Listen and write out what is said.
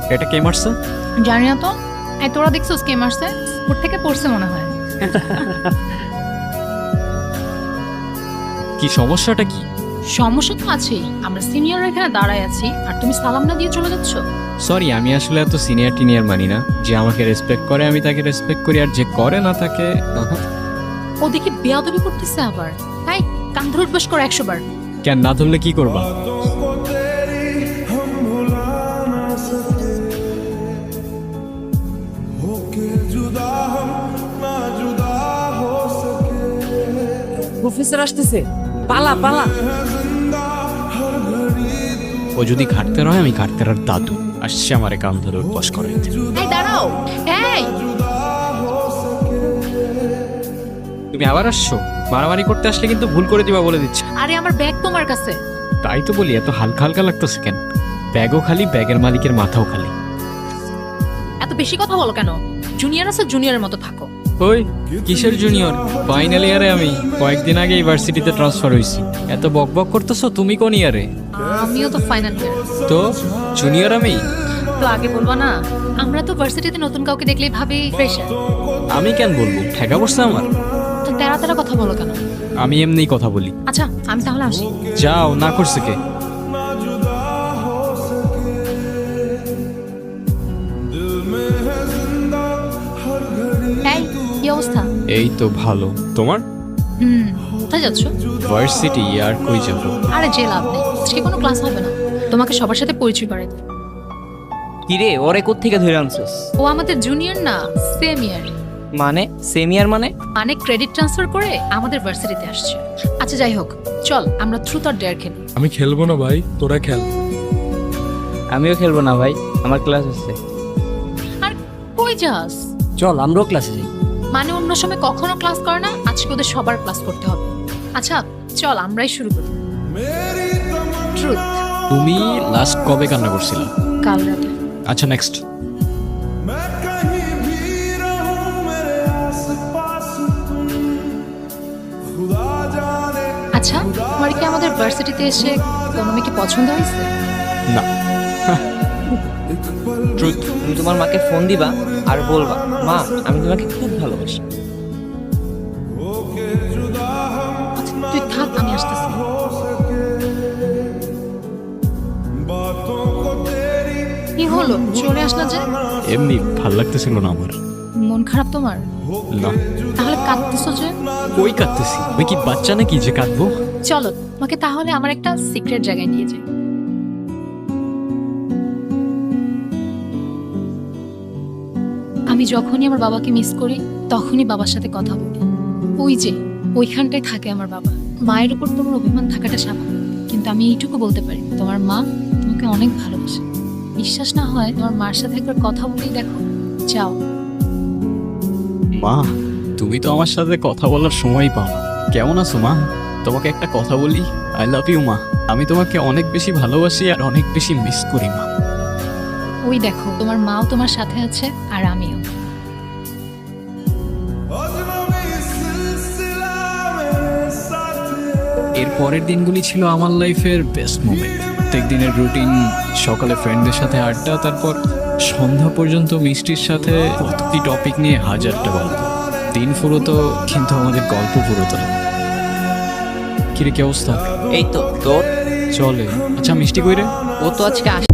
এটা কে মারছে? জানি না তো। এই তোরা দেখছিস কে মারছে? ওর থেকে পড়ছে মনে হয়। কি সমস্যাটা কি? সমস্যা তো আছেই। আমরা সিনিয়র এখানে দাঁড়ায় আছি আর তুমি সালাম না দিয়ে চলে যাচ্ছ। সরি, আমি আসলে এত সিনিয়র টিনিয়র মানি না। যে আমাকে রেসপেক্ট করে আমি তাকে রেসপেক্ট করি, আর যে করে না তাকে ও দেখি বেয়াদবি করতেছে আবার। তাই কান ধরে উঠবাস করো 100 বার। কেন না ধরলে কি করবা? প্রফেসর আসতেছে, পালা পালা। ও যদি ঘাটতে হয়, আমি ঘাটতে আর দাদু আসছে আমারে কান ধরে উঠবাস করে। এই দাঁড়াও। এই তুমি আবার আসছো? মারামারি করতে আসলে কিন্তু ভুল করে দিবা বলে দিচ্ছি। আরে আমার ব্যাগ তোমার কাছে। তাই তো বলি, এত হালকা হালকা লাগতেছে কেন? ব্যাগও খালি, ব্যাগের মালিকের মাথাও খালি। এত বেশি কথা বলো কেন? জুনিয়র আছে, জুনিয়রের মতো থাকো। ওই কিসের জুনিয়র? ফাইনাল ইয়ারে আমি কয়েকদিন আগে ইউনিভার্সিটিতে ট্রান্সফার হইছি। এত বক বক করতেছো। তুমি কোন ইয়ারে? আমিও তো ফাইনাল ইয়ার। তো জুনিয়র আমি? তো আগে বলবা না? আমরা তো ভার্সিটিতে নতুন কাউকে দেখলেই ভাবি ফ্রেশার। আমি কেন বলবো? ঠেকা পড়ছে আমার। তো তেরা তেরা কথা বলো কেন? আমি এমনিই কথা বলি। আচ্ছা আমি তাহলে আসি। যাও, না করছে কে? এই কি অবস্থা? এই তো ভালো। তোমার? কোথায় যাচ্ছ? ভার্সিটি। আর কই যাব? আরে যে লাভ নেই, আজকে কোনো ক্লাস হবে না। তোমাকে সবার সাথে পরিচয় করাই দিই। কিরে, ওরে কোত্থেকে ধরে আনছিস? ও আমাদের জুনিয়র না, সেম ইয়ার। মানে সেমিয়ার মানে? মানে ক্রেডিট ট্রান্সফার করে আমাদের ভার্সিটিতে আসছে। আচ্ছা যাই হোক, চল আমরা ট্রুথ অর ডেয়ার খেলি। আমি খেলবো না ভাই, তোরা খেল। আমিও খেলবো না ভাই, আমার ক্লাস আছে। আর কই যাস? চল আমরাও ক্লাসে যাই। মানে অন্য সময় কখনো ক্লাস করে না, আজকে ওদের সবার ক্লাস করতে হবে। আচ্ছা চল আমরাই শুরু করি। ট্রুথ। তুমি লাস্ট কবে কান্না করছিলে? কাল রাতে। আচ্ছা নেক্সট। আচ্ছা তোমার কি আমাদের ভার্সিটিতে এসে কোনো মেয়েকে পছন্দ হয়েছে? না। ট্রুথ। তুমি তোমার মাকে ফোন দিবা আর বলবা, মা আমি তোমাকে খুব ভালোবাসি। আচ্ছা তুই থাক, আমি আসতেছি। কি হলো, চলে আসলা যে? এমনি ভাল লাগতেছিল না আমার। মন খারাপ তোমার? না। তাহলে কাঁদতেছো যে? কই কাঁদতেছি? আমি কি বাচ্চা নাকি যে কাঁদবো? চলো তোমাকে তাহলে আমার একটা সিক্রেট জায়গায় নিয়ে যাই। আমি যখনই আমার বাবাকে মিস করি তখনই বাবার সাথে কথা বলি। ওই যে ওইখানটায় থাকে আমার বাবা। মায়ের উপর তোমার অভিমান থাকাটা স্বাভাবিক, কিন্তু আমি এইটুকু বলতে পারি তোমার মা তোমাকে অনেক ভালোবাসে। বিশ্বাস না হয় তোমার মার সাথে একবার কথা বলেই দেখো। যাও। মা, তুমি তো আমার সাথে কথা বলার সময় পাও না। কেমন আছো মা? তোমাকে একটা কথা বলি, আই লাভ ইউ মা। আমি তোমাকে অনেক বেশি ভালোবাসি আর অনেক বেশি মিস করি মা। ওই দেখো তোমার মাও তোমার সাথে আছে আর আমিও। এর পরের দিনগুলি ছিল আমার লাইফের বেস্ট মোমেন্ট। প্রত্যেক দিনের রুটিন, সকালে ফ্রেন্ডদের সাথে আড্ডা, তারপর সন্ধ্যা পর্যন্ত মিষ্টির সাথে প্রতিটি টপিক নিয়ে হাজারটা গল্প। দিন ফুরোতো কিন্তু আমাদের গল্প ফুরোতো না। কিরে কি অবস্থা? এই তো তোর। চলে। আচ্ছা মিষ্টি কই রে? ও তো আজকে